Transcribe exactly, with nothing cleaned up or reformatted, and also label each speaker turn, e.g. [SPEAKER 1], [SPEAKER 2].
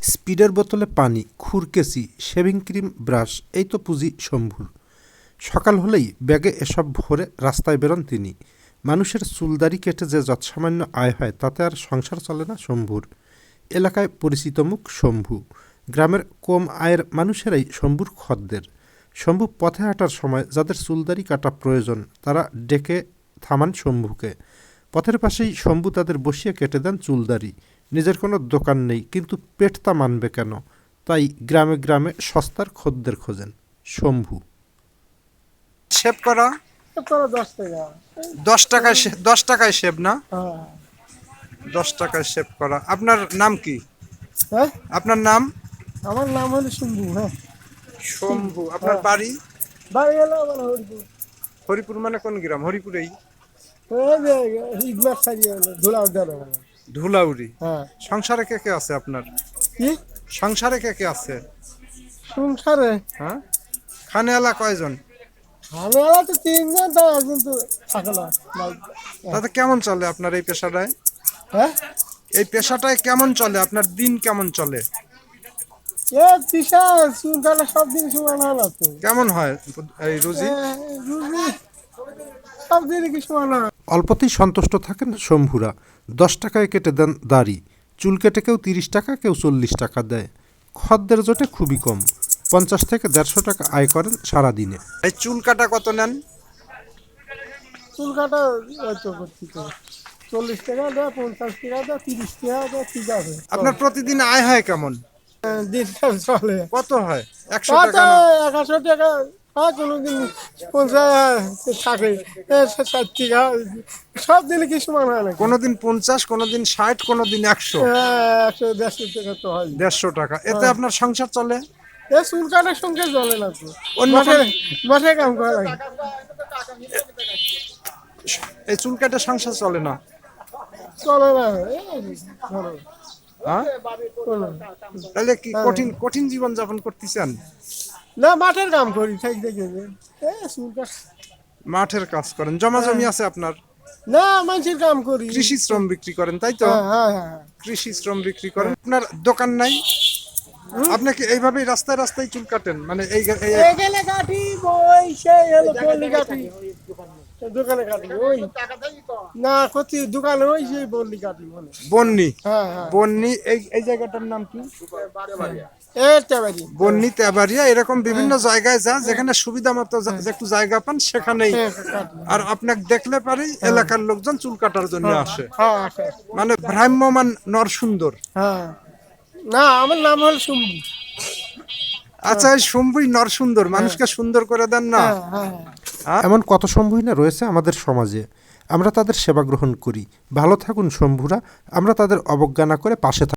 [SPEAKER 1] স্পিডের বোতলে পানি, খুরকেচি, শেভিং ক্রিম, ব্রাশ, এই তো পুঁজি শম্ভুর। সকাল হলেই ব্যাগে এসব ভরে রাস্তায় বেরোন তিনি। মানুষের চুলদাড়ি কেটে যে যৎসামান্য আয় হয় তাতে আর সংসার চলে না শম্ভুর। এলাকায় পরিচিত মুখ শম্ভু। গ্রামের কম আয়ের মানুষেরাই শম্ভুর খদ্দের। শম্ভু পথে হাঁটার সময় যাদের চুলদাড়ি কাটা প্রয়োজন তারা ডেকে থামান শম্ভুকে। পথের পাশেই শম্ভু তাদের বসিয়ে কেটে দেন চুলদাড়ি। নিজের কোনো দোকান নেই, কিন্তু পেট তা মানবে কেন? তাই গ্রামে গ্রামে সস্তার খদ্দের খোঁজেন শম্ভু।
[SPEAKER 2] শেভ করা
[SPEAKER 3] করা দশ টাকা।
[SPEAKER 2] দশ টাকায় শে- দশ টাকায় শেভ না?
[SPEAKER 3] হ্যাঁ।
[SPEAKER 2] দশ টাকায় শেভ করা। আপনার নাম কি?
[SPEAKER 3] হ্যাঁ,
[SPEAKER 2] আপনার নাম?
[SPEAKER 3] আমার নাম হলো শম্ভু। হ্যাঁ,
[SPEAKER 2] শম্ভু। আপনার বাড়ি?
[SPEAKER 3] বাড়ি হলো আমার হরিপুর।
[SPEAKER 2] হরিপুর মানে কোন গ্রাম? হরিপুরেই?
[SPEAKER 3] ওই যে ইগমার সারিয়ে হলো ধুলা উদ্যান।
[SPEAKER 2] ধুলাউড়ি।
[SPEAKER 3] হ্যাঁ।
[SPEAKER 2] সংসারে কে কে আছে আপনার?
[SPEAKER 3] কি
[SPEAKER 2] সংসারে কে কে আছে?
[SPEAKER 3] সংসারে
[SPEAKER 2] হ্যাঁ, খানেওয়ালা কয়জন?
[SPEAKER 3] আমি আলা তো তিনজন, তো একজন তো থাকে না।
[SPEAKER 2] তাতে কেমন চলে আপনার এই পেশাটায়?
[SPEAKER 3] হ্যাঁ,
[SPEAKER 2] এই পেশাটায় কেমন চলে? আপনার দিন কেমন চলে?
[SPEAKER 3] এ পিসা চুলকাটা সব দিন সমান হয় না তো।
[SPEAKER 2] কেমন হয় এই রুজি?
[SPEAKER 3] এ, রুজি সব দিন কি সমান হয়?
[SPEAKER 1] অল্পতেই সন্তুষ্ট থাকেন শম্ভুরা। দশ টাকায় কেটে দেন দাড়ি। চুল কেটে কেউ তিরিশ টাকা, কেউ চল্লিশ টাকা দেয়। খদ্দের জোটে খুবই কম। পঞ্চাশ থেকে দেড়শো টাকা আয় করেন সারাদিনে।
[SPEAKER 2] এই চুল কাটা কত নেন?
[SPEAKER 3] চুলকাটা ওই তো করছি তো চল্লিশ টাকা দেয়, পঞ্চাশ টাকা দেয়, তিরিশ টাকা দেয়, ঠিক আছে।
[SPEAKER 2] আপনার প্রতিদিন আয় হয় কেমন?
[SPEAKER 3] দিনটা চলে
[SPEAKER 2] কত হয়? একশো
[SPEAKER 3] কত
[SPEAKER 2] টাকা না?
[SPEAKER 3] একশো টাকা হয়, কোনোদিন পঞ্চাশ থাকে, এ ষাট টাকা, সব দিনে কি সমান হয় না?
[SPEAKER 2] কোনোদিন পঞ্চাশ, কোনোদিন ষাট, কোনোদিন একশো।
[SPEAKER 3] একশো দেড়শো টাকা তো হয়।
[SPEAKER 2] দেড়শো টাকা। এতে আপনার সংসার চলে?
[SPEAKER 3] এ চুল কাটার সঙ্গে চলে না তো।
[SPEAKER 2] অন্য
[SPEAKER 3] মাঠে
[SPEAKER 2] কোন-
[SPEAKER 3] মাঠে কাম করা লাগে।
[SPEAKER 2] এই চুল কাটে সংসার চলে না?
[SPEAKER 3] চলে না, এই ধরো,
[SPEAKER 2] হ্যাঁ,
[SPEAKER 3] চলে না।
[SPEAKER 2] তাহলে কি কঠিন কঠিন জীবন যাপন করতেছেন?
[SPEAKER 3] না, মাঠের কাম করি ঠিক দেখে। এ চুল কাট
[SPEAKER 2] মাঠের কাজ করেন? জমা জমি আছে আপনার?
[SPEAKER 3] না, মানুষের কাম করি।
[SPEAKER 2] কৃষি শ্রম বিক্রি করেন, তাই তো?
[SPEAKER 3] হ্যাঁ হ্যাঁ হ্যাঁ।
[SPEAKER 2] কৃষি শ্রম বিক্রি করেন। আপনার দোকান নাই? আপনি কি এইভাবেই রাস্তায় রাস্তায় চুল কাটেন? মানে এই এই-
[SPEAKER 3] এখানে কাটি, ওই সেই হলো বললি কাটি, দোকানে কাটি ওই না ক্ষতি দোকানে ওই সেই বললি কাটি বলে।
[SPEAKER 2] বন্নি?
[SPEAKER 3] হ্যাঁ হ্যাঁ,
[SPEAKER 2] বন্নি এই এই জায়গাটার নাম কি?
[SPEAKER 3] এইটা বাড়ি।
[SPEAKER 2] বন্নি, তেবাড়িয়া, এরকম বিভিন্ন জায়গায় যা যেখানে সুবিধা মতো যা- একটু জায়গা পান সেখানেই।
[SPEAKER 3] হ্যাঁ, কাটি।
[SPEAKER 2] আর আপনাকে দেখলে পারেই এলাকার লোকজন চুল কাটার জন্য আসে।
[SPEAKER 3] হ্যাঁ আসে।
[SPEAKER 2] মানে ভ্রাম্যমান নরসুন্দর।
[SPEAKER 3] হ্যাঁ, না আমার নাম হলো শম্ভু।
[SPEAKER 2] আচ্ছা, এই শম্ভুই নরসুন্দর, মানুষকে সুন্দর করে দেন না?
[SPEAKER 3] হ্যাঁ হ্যাঁ।
[SPEAKER 1] এমন কত শম্ভুই না রয়েছে আমাদের সমাজে। আমরা তাদের সেবা গ্রহণ করি। ভালো থাকুন শম্ভুরা। আমরা তাদের অবজ্ঞা না করে পাশে থাকি।